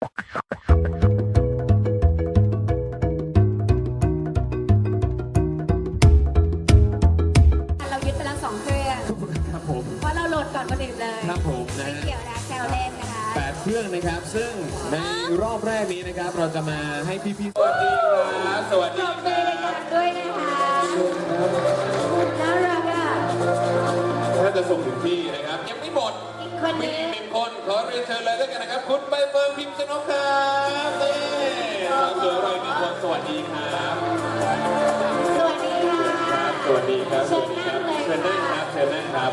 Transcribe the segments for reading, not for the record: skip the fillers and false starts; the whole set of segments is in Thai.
เรายึดไปแล้ว2 เครื่องครับผมเพราะเราโหลดก่อนคนอื่นเลยครับผมนะไม่ฮะเกี่ยวนะแซวเล่นนะคะ 8 เครื่องนะครับ ซึ่งในรอบแรกนี้นะครับ เราจะมาให้พี่ๆสวัสดีครับสวัสปดีรบคมืรัอบ ดังๆด้วยนะคะน่ารักอ่ะถ้าจะส่งถึงที่นะครับ ยังไม่หมดอีกคนมีนึอีงก1 คนขอเรียนเชิญเลยด้วยกันนะครับ คุณใบเฟิร์นพิมพ์ชนกครับนี่สาวสวยเราอีก1 คนสวัสดีครับสวัสดีค่ะสวัสดีครับเชิญนั่งเลยเชิญนั่งครับเชิญนั่งครับ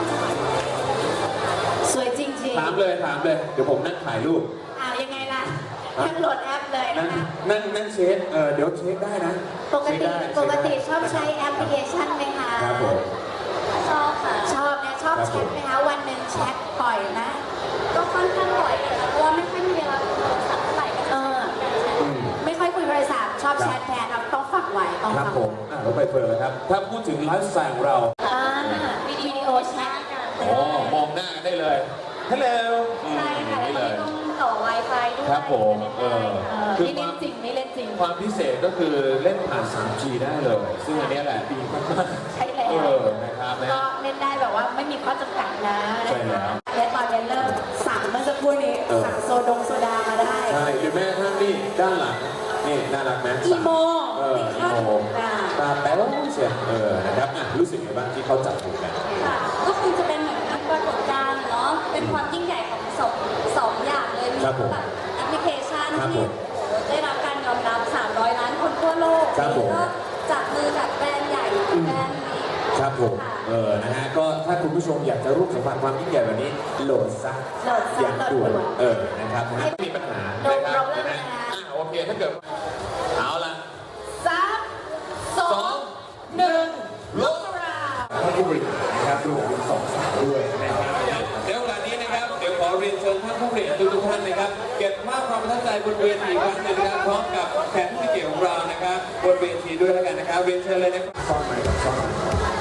สวยจริงถามเลยเดี๋ยวผมนั่งถ่ายรูปๆอ้าวยังไงล่ะทั้งโหลดแอปเลยนั่นะงคะนั่งเช็คเดี๋ยวเช็คได้นะปกเช็คติได้ปกติชอบใช้แอปพลิเคชันไหมคะครับผมชอบค่ะ ชอบนะชอบครับแชทไหมคะวันหนึ่งแชทบ่อยนะก็ค่อนข้างบ่อยนะคะเพราะว่าไม่ค่อยมีเวลาคุยโทรศัพท์เท่าไหร่ก็เอจะอไม่ค่อยคุยโทรศัพท์ชอบแชทแทนเราต้องฝักไว้ต้องครับฝักผมเราไปเฟิร์นเลยครับ ถ้าพูดถึงไลฟ์สไตล์ของเราอ่าวิดีโอแชทกันโอ้มองหน้ากันได้เลยฮัลโหลใช่ค่ะแล้วก็ไม่ต้องต่อ Wi-Fi ด้วยครับผมคือไม่คเล่วาน มจริงไม่เล่นจริงความพิเศษก็คือเล่นผ่าน 3G ได้เลย ซึ่งอันนี้แหละดีมากใช่แล้วนะครับนะก็เล่นได้แบบว่าไม่มีข้อจำกัดนะใช่แล้วและตอนนี้เริ่มสั่งเมื่อสักครู่นี้สั่งโซดามาได้ใช่หรือแม้กระทั่งนี่ด้านหลังนี่น่ารักไหมอีโมอีโมตาแป๊วเชียวนะครับรู้สึกไงบ้างที่เขาจัดถูกกันค่ะก็คงจะเป็นเหมือนปรากฏการณ์เนาะเป็นความยิ่งใหญ่ของสองอย่างเลยมีครับผมแบบแอปพลิเคชันครับผที่มโอ้โหได้รับการยอมรับ 300 ล้านคนทั่วโลกครับผมก็จับมือกับแบรนด์ใหญ่แบรนด์นี้ครับผมนะฮะก็ถ้าคุณผู้ชมอยากจะร่วมสัมผัสความยิ่งใหญ่แบบนี้โหลดซะโหลดซะอย่างด่วนโหลดด่วนนะครับนะฮะไม่มีปัญหาโดนนะครับเราเริ่มนะนะฮะคะโอเคถ้าเกิดเอาละ 3 2 1 ลบท่านผู้บริหารนะครับรวมถึง2 สาวด้วยนะครับเดี๋ยวเวลานี้นะครับเดี๋ยวขอเรียนเชิญท่านผู้บริหารทุกท่านนะครับเก็บภาพความประทับใจบนเวทีกันนะครับพร้อมกับแขกผู้มีเกียรติของเรานะครับบนเวทีด้วยแล้วกันนะครับเรียนเชิญเลยนะครับซ่อนไหมกับซ่อน